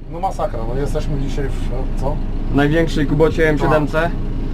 No masakra, no jesteśmy dzisiaj w co? Największej kubocie M7C.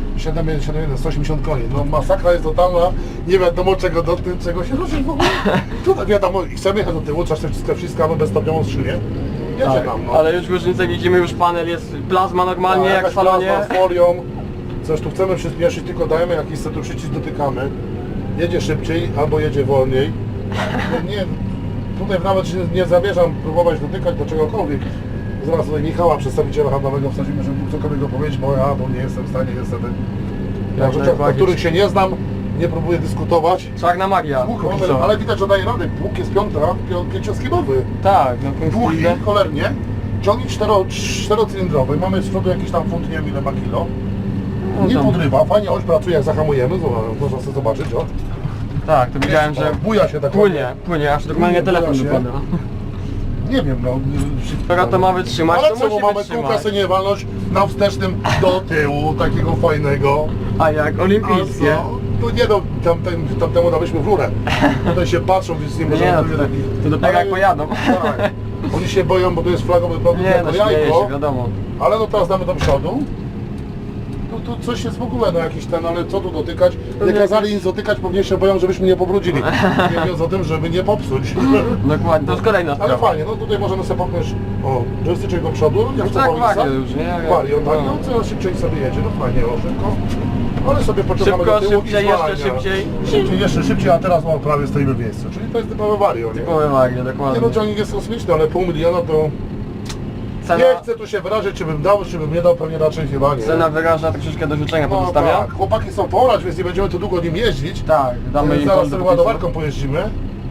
180 koni. No masakra jest totalna, nie wiadomo czego dotknąć, czego się ruszyć w ogóle. Tutaj wiadomo, i chcemy jechać do tyłu, trzeba wszystko wciskamy bezstopniową skrzynię. Jedzie Tak, nam, no. ale już różnicę widzimy, już panel jest plazma normalnie jak w salonie. Plazma z folią. Coś tu chcemy przyspieszyć, tylko dajemy jakiś tu przycisk, dotykamy. Jedzie szybciej albo jedzie wolniej. Nie, tutaj nawet się nie zamierzam próbować dotykać do czegokolwiek. Zaraz tutaj Michała, przedstawiciela handlowego, wsadzimy, żeby mógł cokolwiek powiedzieć, bo ja tu nie jestem w stanie niestety. Na rzeczach, o których się nie znam, nie próbuję dyskutować. Czarna magia. Ale widać, że daje radę. Pług jest pięcioskibowy. Tak, no Długi, cholernie. Ciągnik czterocylindrowy. Mamy z przodu jakiś tam funt, nie wiem ile ma kilo. Nie podrywa, fajnie oś pracuje jak zahamujemy, można sobie zobaczyć, o. Tak, to widziałem, że buja się tak płynie, aż normalnie telefon wypada. Nie wiem, no. Skoro to ma wytrzymać, ale to co, musi mamy wytrzymać. kółka sobie nie walność na wstecznym do tyłu, takiego fajnego. A jak olimpijskie. Tu nie no, tamtemu daliśmy w rurę. Tutaj się patrzą, więc nie można... Nie, to dopiero jak pojadą. Tak. Oni się boją, bo to jest flagowy produkt Nie, jako no śmieje jajko. się, wiadomo. Ale no teraz damy do przodu. No tu coś jest w ogóle, no jakiś ten, ale co tu dotykać? Nie kazali nic dotykać, pewnie się boją, żebyśmy nie pobrudzili. Nie mówiąc o tym, żeby nie popsuć. Dokładnie, to jest kolejna Ale sprawa. fajnie, no tutaj możemy sobie popchnąć, o, joystick do przodu, nie chcę tak, powiedzieć, Wario już, nie? Wario, tak, No. no coraz szybciej sobie jedzie, no fajnie, o, szybko. Ale sobie pociągamy Szybko, do tyłu szybciej, i jeszcze zwalnia. szybciej. Szybciej, jeszcze szybciej, a teraz no, prawie stoimy w miejscu. Czyli to jest typowe Wario, nie? Typowe Wario, Nie dokładnie. no, ciągnik jest kosmiczny, ale pół miliona to... Cena, Nie chcę tu się wyrazić, czy bym dał, czy bym nie dał, pewnie raczej chyba nie. cena wyraża troszeczkę do życzenia No pozostawia. tak, chłopaki są porać, więc nie będziemy tu długo nim jeździć. Tak, damy im Zaraz pol do sobie popisu. ładowarką pojeździmy.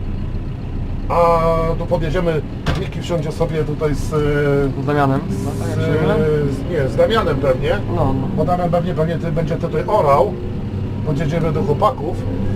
A tu podjedziemy, Miki wsiądzie sobie tutaj z Damianem. No, tak, jak się mylę? nie, z Damianem pewnie. No. Bo Damian pewnie ty będzie tutaj orał. Podjedziemy do chłopaków.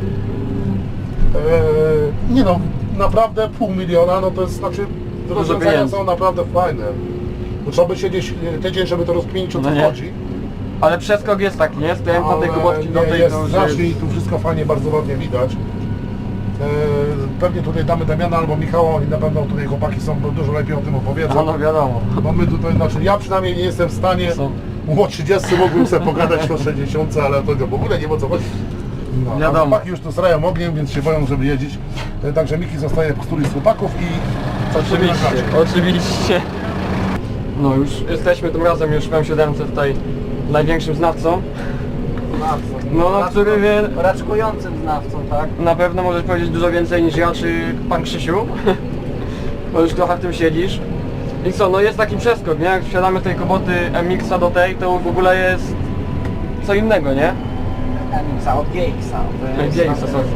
Nie no, naprawdę pół miliona, no to jest, znaczy rozwiązania pieniędzy. są naprawdę fajne. Bo trzeba by siedzieć tydzień, żeby to rozkminić, o co No nie. chodzi. Ale przeskok jest taki, nie? Stojąc na tej kubotki do nie, tej, jest to już znacznie i tu wszystko fajnie, bardzo ładnie widać. Pewnie tutaj damy Damiana albo Michała, oni na pewno tutaj chłopaki są dużo lepiej o tym opowiedzą. no wiadomo. Bo my tutaj, znaczy ja przynajmniej nie jestem w stanie, o 30 mógłbym sobie pogadać o 60, ale to w ogóle nie wiem o co chodzi. No, a Wiadomo. chłopaki już tu strają ogniem, więc się boją, żeby jeździć. Także Miki zostaje w którymś z chłopaków i Oczywiście. No już jesteśmy tym razem już w M7 tutaj największym znawcą. No, który wie... Raczkującym znawcą, tak? Na pewno możesz powiedzieć dużo więcej niż ja czy pan Krzysiu. Bo już trochę w tym siedzisz. I co, no jest taki przeskok, nie? Jak wsiadamy tej koboty MX-a do tej, to w ogóle jest co innego, nie? MX-a od GX-a. GX-a, sorry.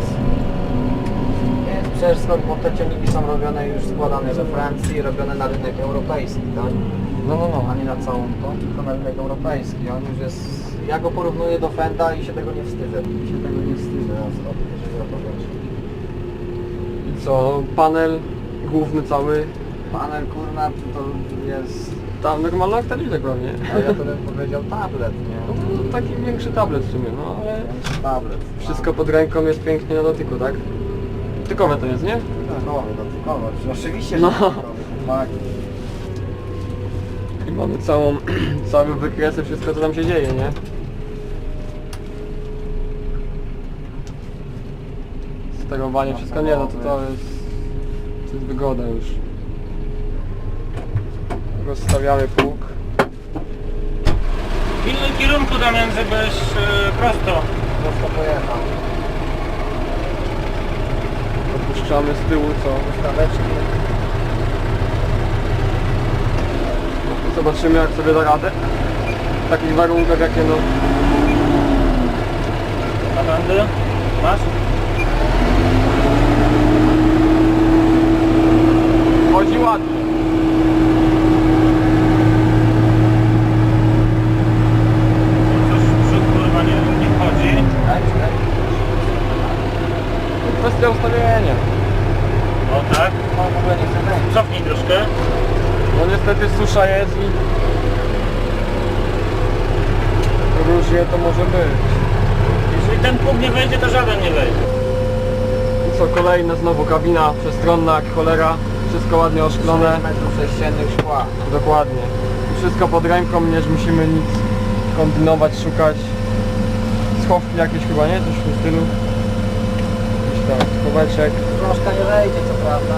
Jest przeskok, bo te ciągniki są robione już składane we Francji, robione na rynek europejski, tak? No. A nie na całą to, tylko na rynek europejski. On już jest... Ja go porównuję do Fenda i się tego nie wstydzę. Jeżeli o to chodzi. I co, panel główny cały, Panel kurna to jest... tam normalna aktelizek pewnie. A ja to bym powiedział tablet, nie? No, taki większy tablet w sumie, no ale Tablet. wszystko pod ręką jest pięknie na dotyku, tak? Tykowe to jest, nie? Dotykowe, oczywiście, No. że dotykowe. Tak. I mamy cały wykresy, wszystko co tam się dzieje, nie? Sterowanie, wszystko nie, no to jest wygoda już. Rozstawiamy pług. Pilnuj kierunku, Damian, żebyś prosto. Prosto pojechał. Opuszczamy z tyłu, co? Ustaweczki. Zobaczymy jak sobie da radę. W takich warunkach jakie no... Napędy? Masz? Chodzi ładnie. Coś w przód kurwa nie wchodzi. Kwestia ustawienia. O tak. No w ogóle nie chcę wejść. Cofnij troszkę. No niestety susza jest i... różnie to może być. Jeśli ten pług nie wejdzie, to żaden nie wejdzie. I co, kolejna znowu kabina przestronna jak cholera. Wszystko ładnie 6 oszklone. metrów sześciennych szkła. Dokładnie. I wszystko pod ręką, nie musimy nic kombinować, szukać. Schowki jakieś chyba, nie? Coś w tym stylu. Jakiś tak, schoweczek. Krążka nie wejdzie, co prawda.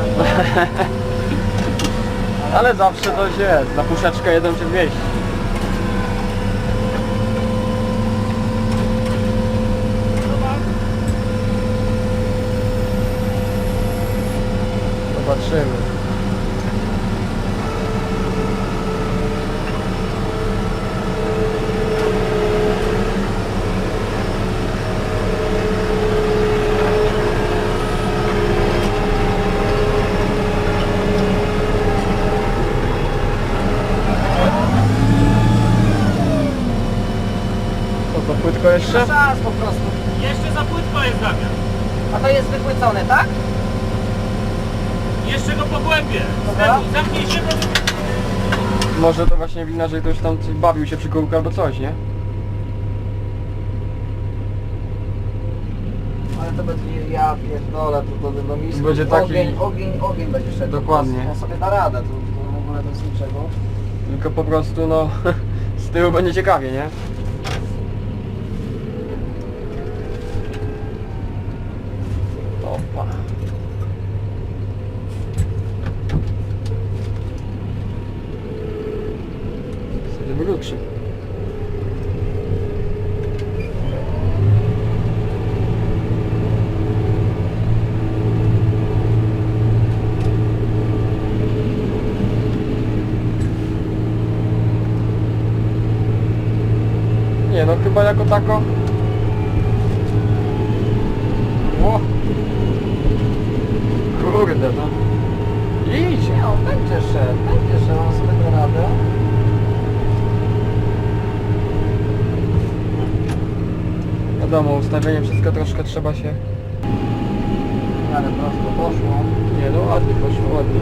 Ale zawsze coś jest. Na puszeczkę 1 czy 200. Zobaczymy. Co to płytko jeszcze? Szans po prostu. Jeszcze za płytko jest Damian. A to jest wypłycone, tak? Jeszcze go pogłębię. Dobra. Zamknij się, bo... Może to właśnie wina, że ktoś tam bawił się przy kółku albo coś, nie? Ale to będzie, ja pierdolę, to do misku. Będzie taki- Ogień będzie szedł. Dokładnie. On sobie da radę, to w ogóle to jest niczego. Tylko po prostu no z tyłu będzie ciekawie, nie? Opa. Sobie wróci. Nie no, chyba jako tako. O! Kurde no. Idź! Nie, on będzie szedł, on sobie da radę. Wiadomo, ustawienie wszystko troszkę trzeba się... Ale prosto poszło. Nie no, ładnie poszło, ładnie.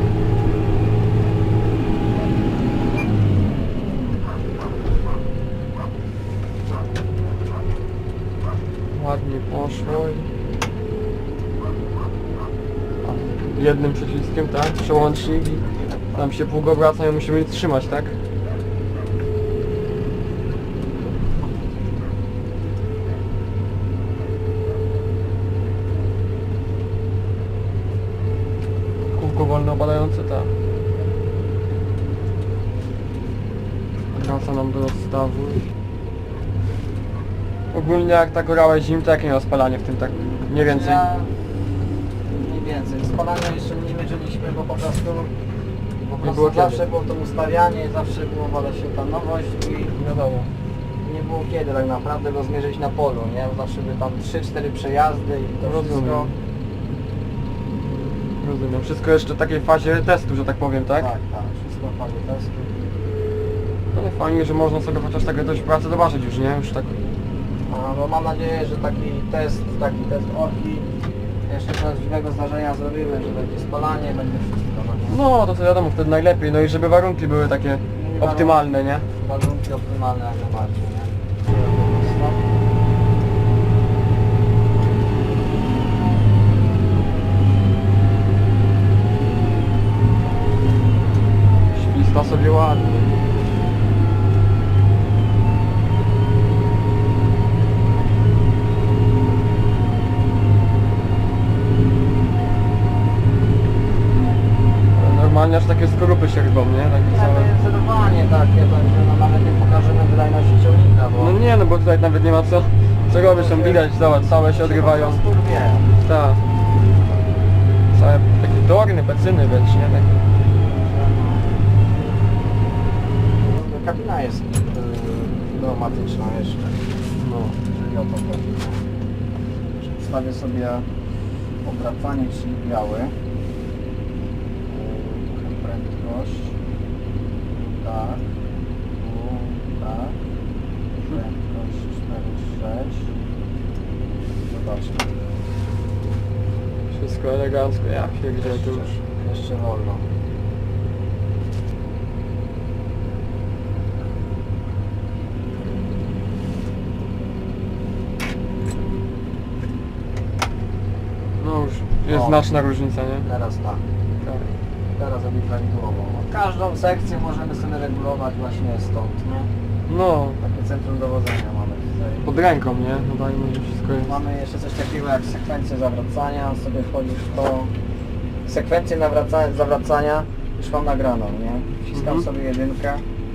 Ładnie poszło i... A, jednym przyciskiem, tak? Przełącznik i tam się pług obraca i musimy trzymać, tak? Kółko wolno opadające, tak. Wraca nam do rozstawu. Ogólnie jak tak orałeś zim, to jakie miał spalanie w tym tak mniej więcej? Ja... Mniej więcej. Spalania jeszcze nie mierzyliśmy, bo po prostu było kiedy. zawsze było to ustawianie, zawsze było wada się ta nowość i Wiadomo. nie było kiedy tak naprawdę go zmierzyć na polu, nie? Zawsze by tam 3-4 przejazdy i to Rozumiem. wszystko. Rozumiem. Wszystko jeszcze w takiej fazie testu, że tak powiem, tak? Tak, wszystko w fazie testu. Ale fajnie, że można sobie chociaż takie coś w pracy zobaczyć już, nie? Już tak... A, no mam nadzieję, że taki test orki jeszcze prawdziwego zdarzenia zrobimy, że będzie spalanie, będzie wszystko. No, nie? No, to co wiadomo, wtedy najlepiej. No i żeby warunki były takie optymalne, nie? Warunki optymalne jak najbardziej, nie? Śwista sobie ładnie. Normalnie aż takie skorupy się rybą, nie? Takie Ja to całe... jest zdecydowanie takie, będzie, no nawet nie pokażemy wydajności ciągnika, bo... No nie, no bo tutaj nawet nie ma co robić, tam widać, zobacz, całe się odgrywają. Po prostu rwie. Tak. Całe takie dorny, pecyny wręcz, nie? Takie... Kabina jest pneumatyczna jeszcze, No. jeżeli o to chodzi. Przedstawię sobie obracanie, czyli biały. Trochę prędkość. Tak. Tu, tak. Prędkość 4,6. Zobaczmy. Wszystko elegancko, ja pierdzielę tu już. Jeszcze wolno. No już jest O. znaczna różnica, nie? Teraz tak. Tak. teraz robi prawidłowo. Każdą sekcję możemy sobie regulować właśnie stąd, nie? No, Takie centrum dowodzenia mamy tutaj. pod ręką, nie? No dajmy, że wszystko jest. Mamy jeszcze coś takiego jak sekwencję zawracania, sobie wchodzisz w to. Sekwencję zawracania już mam nagraną, nie? Wciskam sobie jedynkę.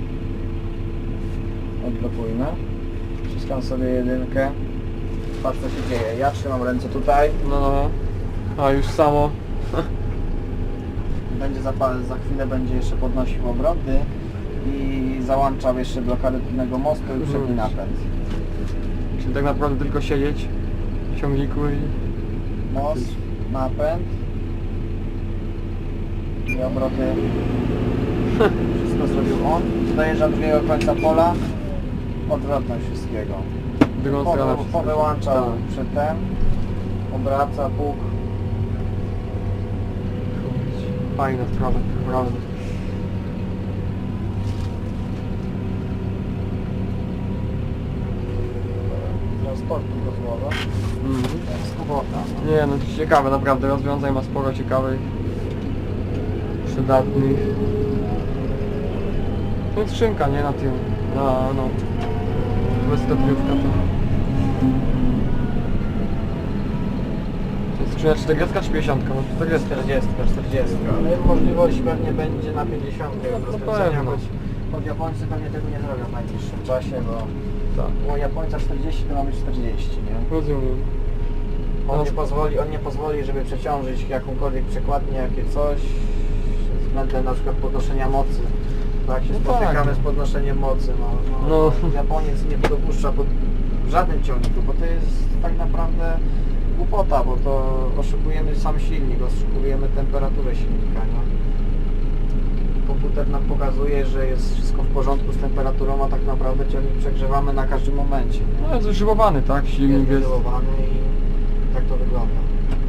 Odblokujmy. Wciskam sobie jedynkę. Patrz co się dzieje. Ja trzymam ręce tutaj. No, a już samo. Będzie za chwilę będzie jeszcze podnosił obroty i załączał jeszcze blokadę tylnego mostu i przedni napęd. Czyli tak naprawdę tylko siedzieć w ciągniku i... Most, napęd i obroty. Wszystko zrobił on. Dojeżdża do drugiego końca pola. Odwrotność wszystkiego. w drugą stronę wszystko. Powyłączał Tak. przedtem. Obraca, puk. Fajna sprawa, naprawdę. Transportu rozłowa. Z kubota. Nie no, to ciekawe, naprawdę, rozwiązań ma sporo ciekawych, przydatnych. To jest skrzynka, nie? Na tym, no, dwustopiówka to. To jest skrzynia 40 czy 50? No 40. 40. Ale możliwość pewnie będzie na 50 rozkręcenia, pewno. choć Japońcy pewnie tego nie zrobią w najbliższym czasie, bo Tak, było Japońca 40, to mamy 40, nie? rozumiem. On nie pozwoli, żeby przeciążyć jakąkolwiek przekładnię, jakie coś, względem na przykład podnoszenia mocy. Tak się No spotykamy tak. z podnoszeniem mocy, No. Japoniec nie dopuszcza w żadnym ciągniku, bo to jest tak naprawdę głupota, bo to oszukujemy sam silnik, oszukujemy temperaturę silnika, nie? Komputer nam pokazuje, że jest wszystko w porządku z temperaturą, a tak naprawdę ciągnik przegrzewamy na każdym momencie. No jest wyżywowany, tak? Silnik jest... wyzolowany i tak to wygląda.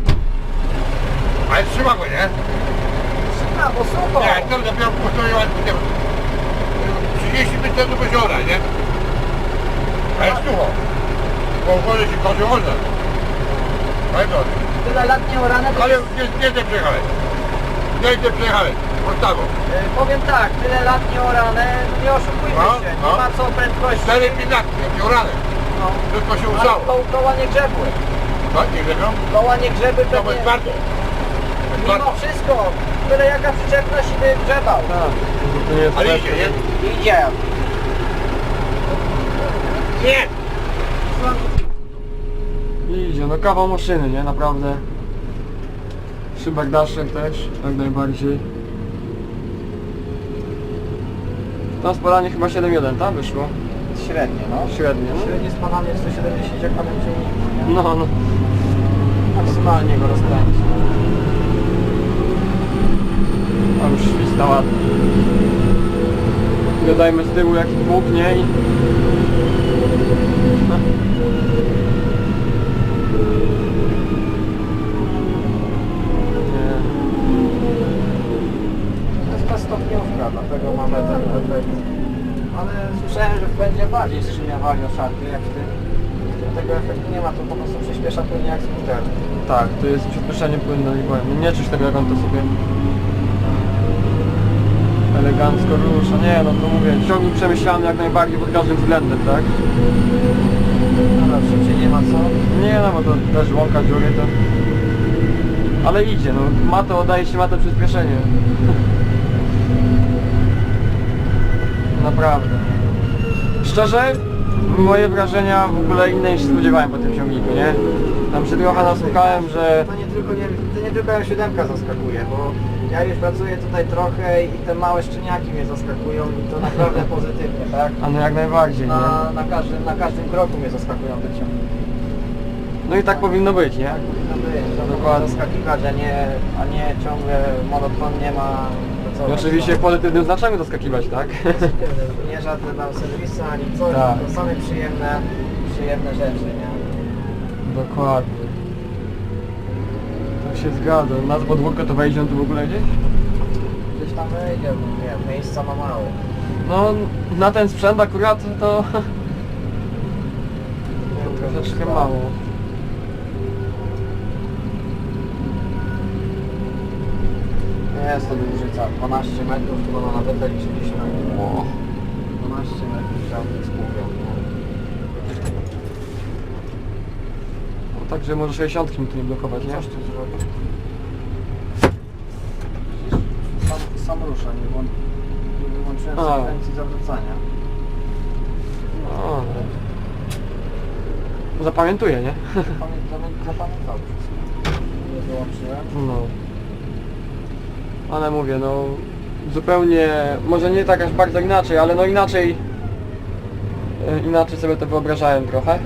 Ale trzyma go, nie? A, bo super! Nie, to dopiero postoiła 35 centów jeziora, nie? A jest sucho. Bo uchodzi się kozie można. Ale to. Tyle lat nie orane, to Ale nie ty przejechałeś. Nie ty przejechałeś. Podstawą. powiem tak, tyle lat nie orane, nie oszukujmy No, się, no. nie ma co prędkości. 4 pinaki, jakie urane. No. Wszystko się Ale usało. koła nie grzebły. Tak, nie grzebią? Koła nie grzeby To jest pewnie. twardo. Mimo wszystko, tyle jaka przyczepność i by grzebał. Tak, to nie jest Ale lepsze. idzie, nie? Idzie. Nie! Idzie, no kawał maszyny, nie? Naprawdę. Szybak daszek też, jak najbardziej. To spalanie chyba 7.1, tak? Wyszło? Średnie, no. Średnie, no. Średnie spadanie 170 jak panem ciągniku, nie? No. Maksymalnie go rozkręci. A już śwista ładnie. Dodajmy z tyłu jaki pług, nie? I... Nie. To jest ta stopniówka, dlatego mamy ten efekt. Ale słyszałem, że będzie bardziej skrzynia wali o szarpie jak w tym. Tego efektu nie ma, to po prostu przyspiesza płynnie jak skuter. Tak, to jest przyspieszenie płynne i powiem, nie czuć tego jak on to sobie elegancko rusza. Nie no, to mówię, ciągnik przemyślany jak najbardziej pod każdym względem, tak? No szybciej nie ma co. Nie no, bo to też łąka dziury to... Ale idzie, no, ma to, daje się ma to przyspieszenie. Naprawdę. Szczerze, moje wrażenia w ogóle inne niż się spodziewałem po tym ciągniku, nie? Tam się trochę nasłuchałem, że... To nie tylko M7 zaskakuje, bo ja już pracuję tutaj trochę i te małe szczeniaki mnie zaskakują i to naprawdę pozytywnie, tak? A no jak najbardziej, nie? Na każdym kroku mnie zaskakują te ciągniki. No i tak powinno być, nie? Tak powinno być, to Dokładnie. zaskakiwać, a nie ciągle monotonnie ma pracować. I oczywiście w pozytywnym znaczeniu doskakiwać, tak? Nie żadne tam serwisy ani coś, Tak. to same przyjemne rzeczy, nie? Dokładnie. Tak się zgadza. Na podwórko to wejdzie on tu w ogóle gdzieś? Gdzieś tam wejdzie, nie, miejsca ma małe. No, na ten sprzęt akurat to troszeczkę mało. Nie jest to różnica, 12 metrów, chyba na nawytek chcieliśmy. 12 metrów ciągnik z półką. No, także może 60 mi tu nie blokować, nie? Coś tu zrobił. Sam rusza, nie wyłączyłem A. sekwencji zawracania. No, zapamiętuję, nie? Zapamiętał wszystko. Nie wyłączyłem. No. Ale mówię, no zupełnie, może nie tak aż bardzo inaczej, ale no inaczej sobie to wyobrażałem trochę.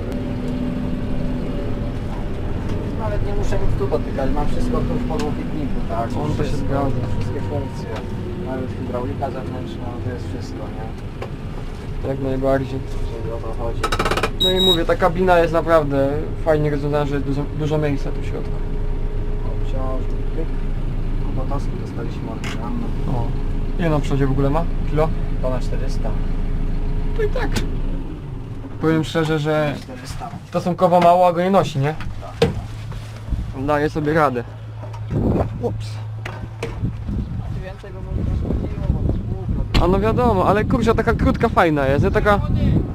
Nawet nie muszę nic tu dotykać, mam wszystko tu w podłokietniku, tak? On to się Wszystko, zgadza. wszystkie funkcje. Nawet hydraulika zewnętrzna, to jest wszystko, nie? Jak najbardziej. Czyli o to chodzi. No i mówię, ta kabina jest naprawdę fajnie rozwiązana, że jest dużo miejsca tu w środku. Obciążnik, pyk. Kubotowski dostaliśmy oryginalny. O. Ile na przodzie w ogóle ma? Kilo? Ponad 400. To i tak. Powiem szczerze, że 400. stosunkowo mało, a go nie nosi, nie? Daje sobie radę. Ups. Więcej by może rozchodziło, bo to jest główno. A no wiadomo, ale kurczę, taka krótka fajna jest, nie? Taka